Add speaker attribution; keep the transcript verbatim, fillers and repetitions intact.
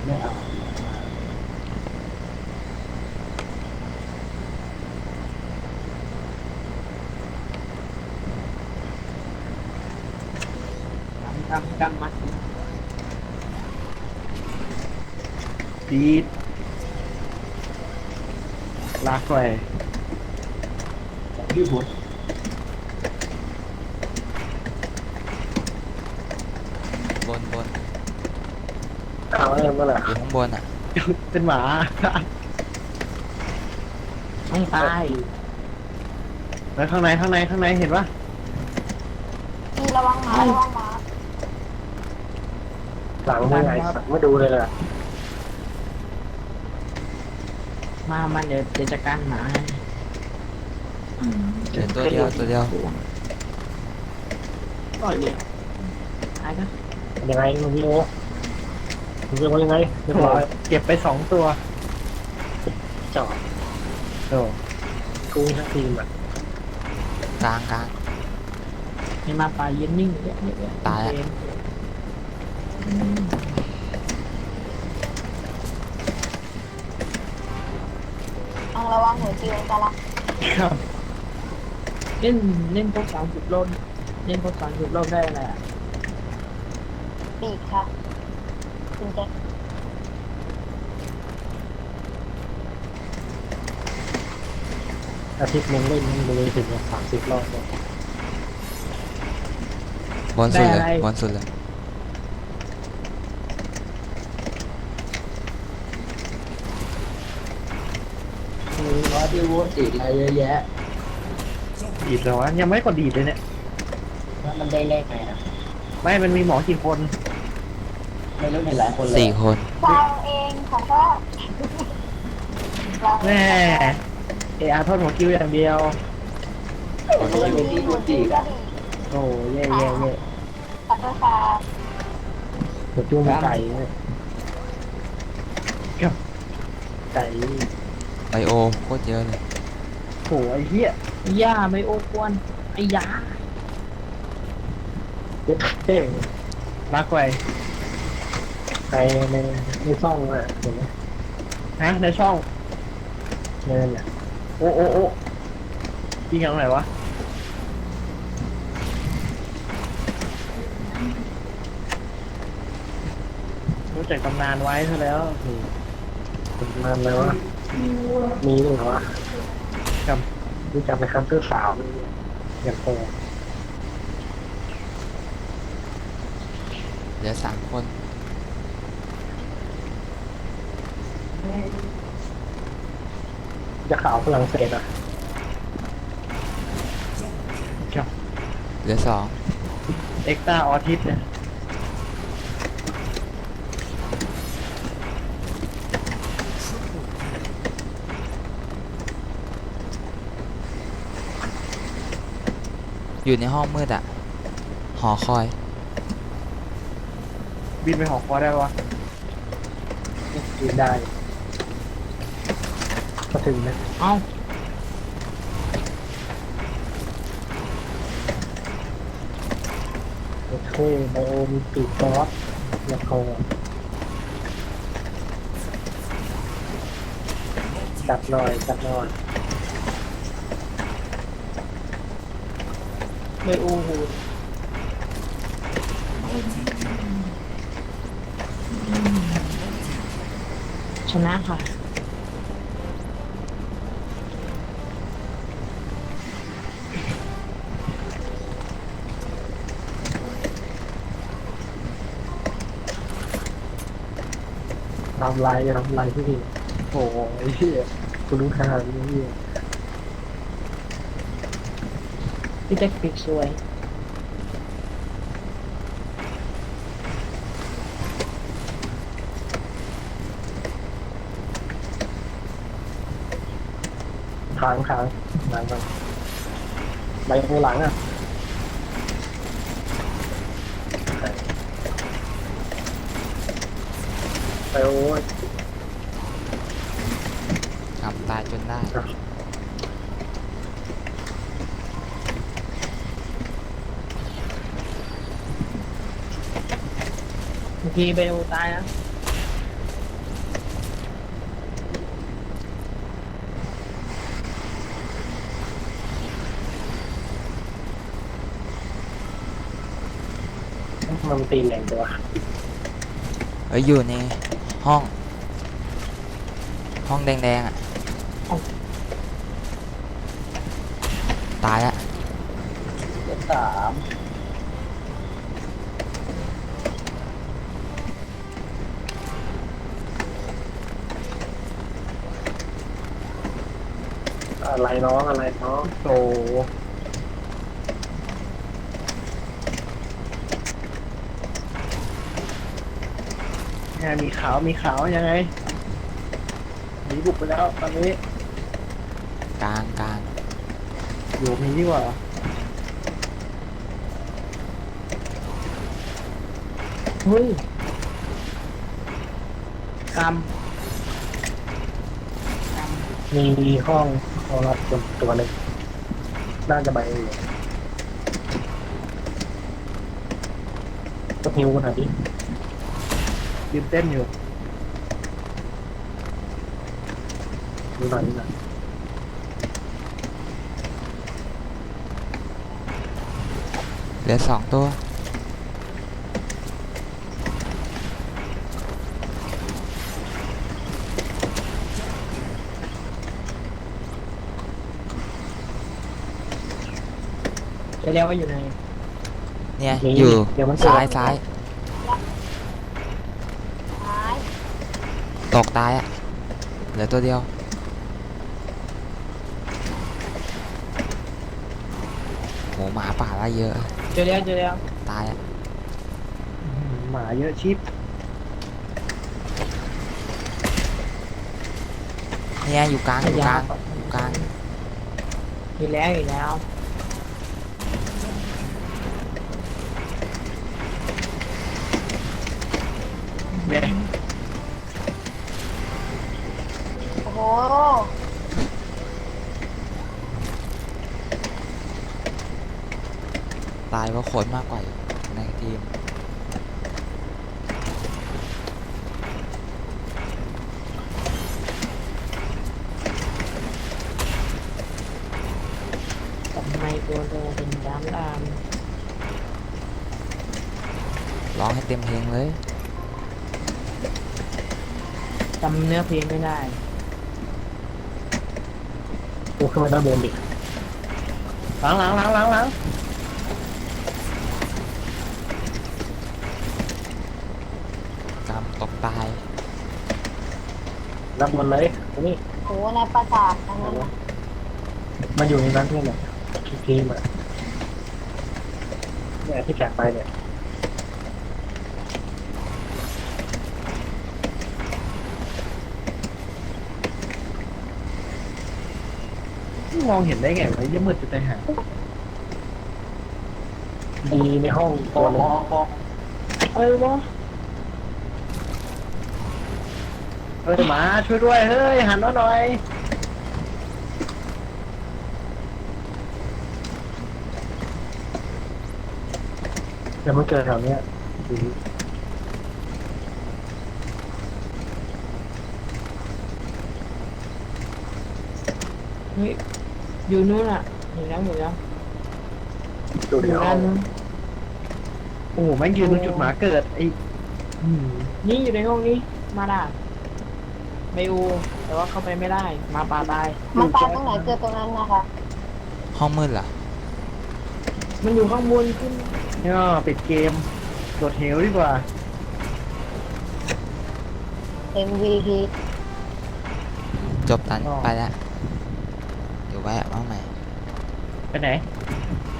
Speaker 1: ไม่เอากำกำกำมัด
Speaker 2: ดีดลากไป
Speaker 1: ยืดหัว
Speaker 3: บนบน
Speaker 1: เอาอะไรมาล่ะ
Speaker 3: อยู่ข้างบนอ่ะ
Speaker 2: เป็นหมา
Speaker 1: ต้องตาย
Speaker 2: แล้วข้างในข้างในข้างในเห็นปะ
Speaker 4: มีระวังหมาระวังหมา
Speaker 1: หลังไม่ไงสักไม่ดูเลยล่ะ
Speaker 5: มามันเดี๋ยวเดี๋ยวจัดการหมาให้
Speaker 3: เดี๋ยวตัวเดียวตัวเดียว
Speaker 5: ก่อนเดียวตายก็
Speaker 1: ยังไงมึงพี่โอ้มึงเรียกว่ายังไงเรียบร้อย
Speaker 2: เก็บไปสองตัว
Speaker 1: จอด
Speaker 2: โอ้
Speaker 1: กุ้งทั้งทีมอ่ะ
Speaker 3: กลางกลาง
Speaker 5: ให้มาปลาเย็นนิ่งเยอะเยอะ
Speaker 3: ตายอะ
Speaker 5: เอง
Speaker 4: ต้องระวังหัวจิ๋วจะละ
Speaker 2: ครับ
Speaker 5: เล่นเล่นพวกสามสิบโลดเล่นพวกสามสิบโลดได้อะไรอ่ะ
Speaker 4: ปีกค่ะคุณแจ็ค
Speaker 1: อาทิตย์นึงเล่นมึงเลยถึงสามสิบรอบเลย
Speaker 3: บนสุดเลยบนสุดเลย
Speaker 1: มีร้อยที่วัวอีกอะไรเยอะแยะ
Speaker 2: ดีดแล้ววะยังไม่กดดีดเลยเนี่ย
Speaker 1: แล้วมันได้เลขไงนะ
Speaker 2: ไม่มันมีหมอกี่คน
Speaker 1: ไม่รู้เห็นหลายคนเลย
Speaker 3: สี่คน
Speaker 4: วางเองของก็วาง
Speaker 2: แม่เออาร์ทอดหัวคิวอย่างเดียว
Speaker 4: หัวจิ๋วหัวจิ๋วก็ดี
Speaker 2: โอ้เย่เย่เย่
Speaker 4: ขอโทษค่ะ
Speaker 1: หัวจุ้งไก่เนี่ย
Speaker 2: กับ
Speaker 1: ไก่
Speaker 3: ไบโอโคตรเยอะเลย
Speaker 2: โหไอ้เหี้ย
Speaker 5: ย่าไม่โอ้กวนไอ้ยา
Speaker 1: เจ็ดเท่ง
Speaker 2: ลากไป
Speaker 1: ไก่ในในซ่องอ่ะเห็นไหม
Speaker 2: ฮะในช่อง
Speaker 1: เนินอ่ะ
Speaker 2: โอ้โอ้โอ้ยิงอย่างไหนวะรู้จักตำนานไว้ซะแล้ว
Speaker 1: ประมาณแล้วะมีด้วยเหรอวะ
Speaker 2: ครับ
Speaker 1: รู้จักไปคันเตอร์สาวอย่างโต
Speaker 3: เหลือสามคน
Speaker 1: จะข่าวฝรั่งเศสอ่ะ
Speaker 2: ครับ
Speaker 3: เหลือสอง
Speaker 2: เอ็กซ์ตาออทิสเนี่ย
Speaker 3: อยู่ในห้องมืดอ่ะ หอคอย
Speaker 2: บินไปหอคอยได้ปะวะ
Speaker 1: กินได้ก็ถึงนะ
Speaker 5: เอ้า
Speaker 1: โอเคไบโอมีปีกซอสแล้วก็จัดหน่อยจัดหน่อย
Speaker 5: ไม่โอ้โหชนะค่ะ
Speaker 1: ทำลายทำลายที่นี่
Speaker 2: โอ้ไอ้เหี้ย
Speaker 1: คุณรู้ทางนี่
Speaker 5: พี่แจ็คปิกสวย
Speaker 1: ขางขางหลังกันใบโอหลังอ่ะไบโอ
Speaker 3: ทำตายจนได้
Speaker 5: บางทีไปโอตายนะ
Speaker 1: มันตีแรงตัว
Speaker 3: เอ้ยอยู่ในห้อง ห้องแดงๆอ่ะ ตายละ
Speaker 1: เลขสามอะไรน้องอะไรน้อง
Speaker 2: โตยังไงมีขาวมีขาวยังไงหนีบุกไปแล้วตอนนี้
Speaker 3: กลางกลาง
Speaker 2: อยู่มีดีกว่า
Speaker 5: เฮ้ยกรรมกรรม
Speaker 1: มีห้องห้องรับตัวตัวหนึ่งน่าจะไปอยู่ก็ฮิวกันหน่อยดิ
Speaker 2: ยืนเต้นอยู่
Speaker 1: ดูหน่อยดูหน่อย
Speaker 3: เหลือสองตัว
Speaker 5: จะเรียกว่าอยู่ใน
Speaker 3: เนี่ยอยู่
Speaker 1: เดี๋ยวมัน
Speaker 3: ซ้ายซ้าย
Speaker 4: ท้าย
Speaker 3: ตกตายอ่ะ เหลือตัวเดียว โหหมาป่าละเยอะ
Speaker 5: เจอแล้วเจอแล้ว
Speaker 3: ตายอ่ะ
Speaker 2: หมาเยอะชิป
Speaker 3: เนี่ยอยู่กลางอยู่กลางอยู่กลาง
Speaker 5: อยู่แล้วอยู่แล้ว
Speaker 2: เนี่ย
Speaker 4: โอ้โห
Speaker 3: ตายเพราะคนมากกว่าอยู่ในทีม
Speaker 5: ทำไมตัวเธอเป็นดำด
Speaker 3: ร้องให้เต็มเพลงเลย
Speaker 5: ำจำเนื้อเพลงไม่ได้
Speaker 1: ดูขึ้นมาด้านบนดิ
Speaker 2: หลังหลังหลังหลังหลัง
Speaker 3: กำตกตาย
Speaker 1: ด้านบนเลยตรงนี้
Speaker 4: โหในปราสาทอันนั้นน่ะ
Speaker 1: มันอยู่ในนั้นที่ไหนทีมอ่ะเนี่ยที่แจกไปเนี่ย
Speaker 2: มองเห็นได้ไงวะยังมืดจะตายหา
Speaker 1: ดีในห้องตัวหนึง
Speaker 5: เอ้ยวะ
Speaker 2: เฮ้ยหมาช่วยด้วยเฮ้ยหันมาหน่อย
Speaker 1: เดี๋ยวมันเกิดแถวเนี้ยดี
Speaker 5: เฮ้ยอยู่นู้นอ่ะเห็นแล้วเห็นแล้ว
Speaker 1: ดู
Speaker 5: อ
Speaker 1: ใน
Speaker 5: ยู่
Speaker 1: ห้อ
Speaker 5: ด้าง นนู้น
Speaker 2: โอ้โหแม่งยืนตรงจุดหมาเกิดไอ้อืม
Speaker 5: นี่อยู่ในห้องนี้มาด่าไม่อูแต่ว่าเข้าไปไม่ได้มาป่าตาย
Speaker 4: มันตายตรงไหนเจอตรงนั้นนะคะ
Speaker 3: ห้องมืดเหรอ
Speaker 5: มันอยู่ข้างบนขึ้น
Speaker 2: เนี่ยปิดเกมโดดเหวดีกว่า
Speaker 4: เอ็ม วี พี
Speaker 3: จบตันไปแล้ว เดี๋ยวแวะมาใหม่
Speaker 2: ไปไหน